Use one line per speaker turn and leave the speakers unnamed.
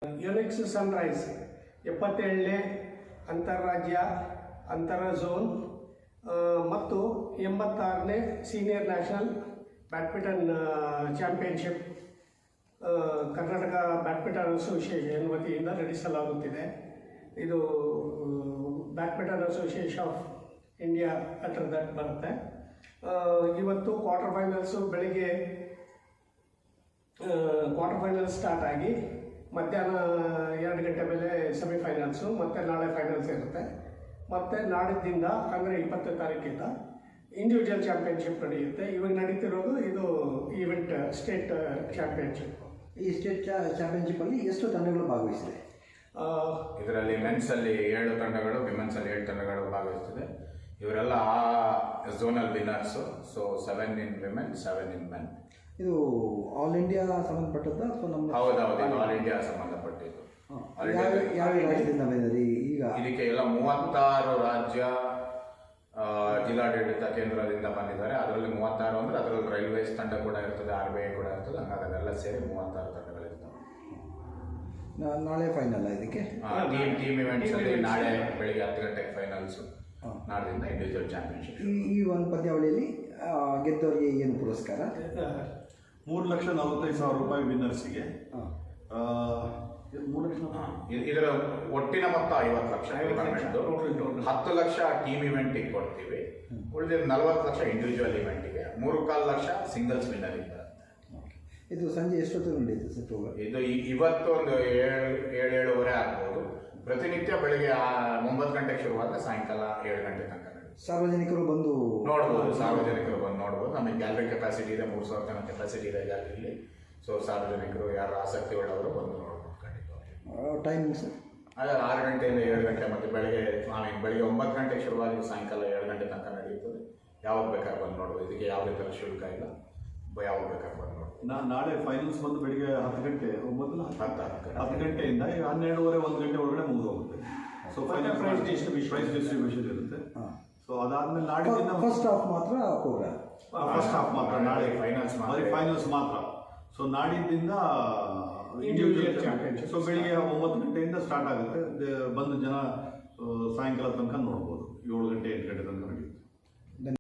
Unix Sunrise 77ನೇ ಅಂತಾರಾಜ್ಯ ಅಂತರ zone ಮತ್ತು 86ನೇ senior national badminton championship Karnataka badminton association ವತಿಯಿಂದ ನಡೆಸಲಾಗುತ್ತಿದೆ. ಇದು badminton association of India under that ಬರುತ್ತೆ. ಇವತ್ತು ಕ್ವಾರ್ಟರ್ ಫೈನಲ್ಸು ಬೆಳಿಗ್ಗೆ ಕ್ವಾರ್ಟರ್ ಫೈನಲ್ ಸ್ಟಾರ್ಟ್ ಆಗಿ ಮಧ್ಯಾಹ್ನ 2 ಗಂಟೆ ಮೇಲೆ ಸೆಮಿಫೈನಲ್ಸು, ಮತ್ತು ನಾಳೆ ಫೈನಲ್ಸ್ ಇರುತ್ತೆ. ಮತ್ತು ನಾಡಿದ್ದಿಂದ ಅಂದರೆ 20ನೇ ತಾರೀಕಿಂದ ಇಂಡಿವಿಜುವಲ್ ಚಾಂಪಿಯನ್ಶಿಪ್ ನಡೆಯುತ್ತೆ. ಇವಾಗ ನಡೀತಿರೋದು ಇದು ಈವೆಂಟ್ ಸ್ಟೇಟ್ ಚಾಂಪಿಯನ್ಶಿಪ್.
ಈ ಸ್ಟೇಟ್ ಚಾಂಪಿಯನ್ಶಿಪ್ಪಲ್ಲಿ ಎಷ್ಟು ತಂಡಗಳು ಭಾಗವಹಿಸಿದೆ?
ಇದರಲ್ಲಿ ಮೆನ್ಸಲ್ಲಿ 7 ತಂಡಗಳು, ವಿಮೆನ್ಸಲ್ಲಿ 7 ತಂಡಗಳು ಭಾಗವಹಿಸ್ತಿದೆ. ಇವರೆಲ್ಲ ಆ zonal winners. So 7 in women, 7 in men.
ಇದು ಆಲ್ ಇಂಡಿಯಾ ಸಂಬಂಧಪಟ್ಟದ್ದು ಅಥವಾ ನಮ್ಮ?
ಹೌದೌದು, ಇದು ಆಲ್ ಇಂಡಿಯಾ ಸಂಬಂಧಪಟ್ಟಿದ್ದು.
ಯಾವ ರಾಜ್ಯದಿಂದ ಬಂದಿದೆ? ಈಗ ಇದಕ್ಕೆ
ಎಲ್ಲ 36 ರಾಜ್ಯ ಜಿಲ್ಲಾಡಳಿತ ಕೇಂದ್ರದಿಂದ ಬಂದಿದ್ದಾರೆ. ಅದರಲ್ಲಿ 36 ಅಂದರೆ ಅದರಲ್ಲಿ ರೈಲ್ವೇಸ್ ತಂಡ ಕೂಡ ಇರ್ತದೆ, RBI ಕೂಡ ಇರ್ತದೆ. ಹಂಗಾಗಿ ಅದೆಲ್ಲ ಸೇರಿ 36 ತಂಡಗಳಿರ್ತವೆ.
ನಾಳೆ ಫೈನಲ್ ಇದಕ್ಕೆ
ಟೀಮ್ ಇವೆಂಟ್ಸ್ ಅಲ್ಲಿ ನಾಳೆ ಬೆಳಿಗ್ಗೆ 10 ಗಂಟೆಗೆ ಫೈನಲ್ಸು, ನಾಳೆಯಿಂದ ಇಂಡಿವಿಜುವಲ್ ಚಾಂಪಿಯನ್ಶಿಪ್.
ಈ ಒಂದು ಪಂದ್ಯಾವಳಿಯಲ್ಲಿ ಗೆದ್ದವರಿಗೆ ಏನು ಪುರಸ್ಕಾರ?
3,45,000 ರೂಪಾಯಿ ವಿನ್ನರ್ಸಿಗೆ.
ಇದರ ಒಟ್ಟಿನ ಮೊತ್ತ 50 ಲಕ್ಷ. 10 ಲಕ್ಷ ಟೀಮ್ ಇವೆಂಟಿಗೆ ಕೊಡ್ತೀವಿ. ಉಳಿದ 40 ಲಕ್ಷ ಇಂಡಿವಿಜುವಲ್ ಇವೆಂಟಿಗೆ, 3.25 ಲಕ್ಷ ಸಿಂಗಲ್ಸ್ ವಿನ್ನರಿಗೆ ಬರುತ್ತೆ.
ಇದು ಸಂಜೆ ಎಷ್ಟೊತ್ತು ನಡೆಯುತ್ತೆ ಸರ್ ಪ್ರೋಗ್ರಾಮ್?
ಇದು ಇವತ್ತು ಒಂದು 7-7:30 ಆಗ್ಬೋದು. ಪ್ರತಿನಿತ್ಯ ಬೆಳಗ್ಗೆ 9 ಗಂಟೆಗೆ ಶುರುವಾದರೆ ಸಾಯಂಕಾಲ 7 ಗಂಟೆ ತನಕ ನಡೆಯುತ್ತೆ.
ಸಾರ್ವಜನಿಕರು ಬಂದು
ನೋಡ್ಬೋದು. ಸಾರ್ವಜನಿಕರು ಬಂದು ನೋಡ್ಬೋದು. ನಮಗೆ ಗ್ಯಾಲರಿ ಕೆಪಾಸಿಟಿ ಇದೆ, 3,000 ಜನ ಕೆಪಾಸಿಟಿ ಇದೆ ಗ್ಯಾಲರಿಲಿ. ಸೊ ಸಾರ್ವಜನಿಕರು ಯಾರು ಆಸಕ್ತಿ ಉಳ್ಳವರು ಬಂದು ನೋಡ್ಬೋದು.
Timing sir?
ಅದೇ 6 ಗಂಟೆಯಿಂದ 7 ಗಂಟೆ, ಮತ್ತು ಬೆಳಗ್ಗೆ 9 ಗಂಟೆಗೆ ಶುರುವಾಗಿ ಸಾಯಂಕಾಲ 7 ಗಂಟೆ ತನಕ ನಡೆಯುತ್ತದೆ. ಯಾವಾಗ ಬೇಕಾದ್ರೆ ಬಂದು ನೋಡ್ಬೋದು. ಇದಕ್ಕೆ ಯಾವುದೇ ಥರ ಶುಲ್ಕ ಇಲ್ಲ, ಯಾವಾಗ ಬೇಕಾದ್ರೆ ಬಂದು ನೋಡ್ಬೋದು.
ನಾಳೆ ಫೈನಲ್ಸ್ ಬಂದು ಬೆಳಿಗ್ಗೆ 10 ಗಂಟೆ 10 ಗಂಟೆಯಿಂದ 12:30 1 ಗಂಟೆ ಒಳಗಡೆ ಮುಗಿದು ಹೋಗುತ್ತೆ. ಸೊ ಫೈನಲ್ ಪ್ರೈಸ್ ಡಿಸ್ಟ್ರಿಬ್ಯೂಷನ್ ಇರುತ್ತೆ. ಸೊ ಅದಾದ್ಮೇಲೆ ನಾಡಿನ
ಫಸ್ಟ್ ಹಾಫ್ ಮಾತ್ರ ಪ್ರೋಗ್ರಾಮ್.
ಫಸ್ಟ್ ಹಾಫ್ ಮಾತ್ರ ನಾಳೆ ಫೈನಲ್ಸ್ ಮಾತ್ರ. ಸೊ ನಾಡಿದ್ದಿಂದ ಇಂಡಿವಿಜುವಲ್ ಚಾಂಪಿಯನ್ಶಿಪ್. ಸೊ ಬೆಳಿಗ್ಗೆ 9 ಗಂಟೆಯಿಂದ ಸ್ಟಾರ್ಟ್ ಆಗುತ್ತೆ. ಬಂದು ಜನ ಸಾಯಂಕಾಲ ತನಕ ನೋಡ್ಬೋದು. 7 ಗಂಟೆ 8 ಗಂಟೆ ತನಕ.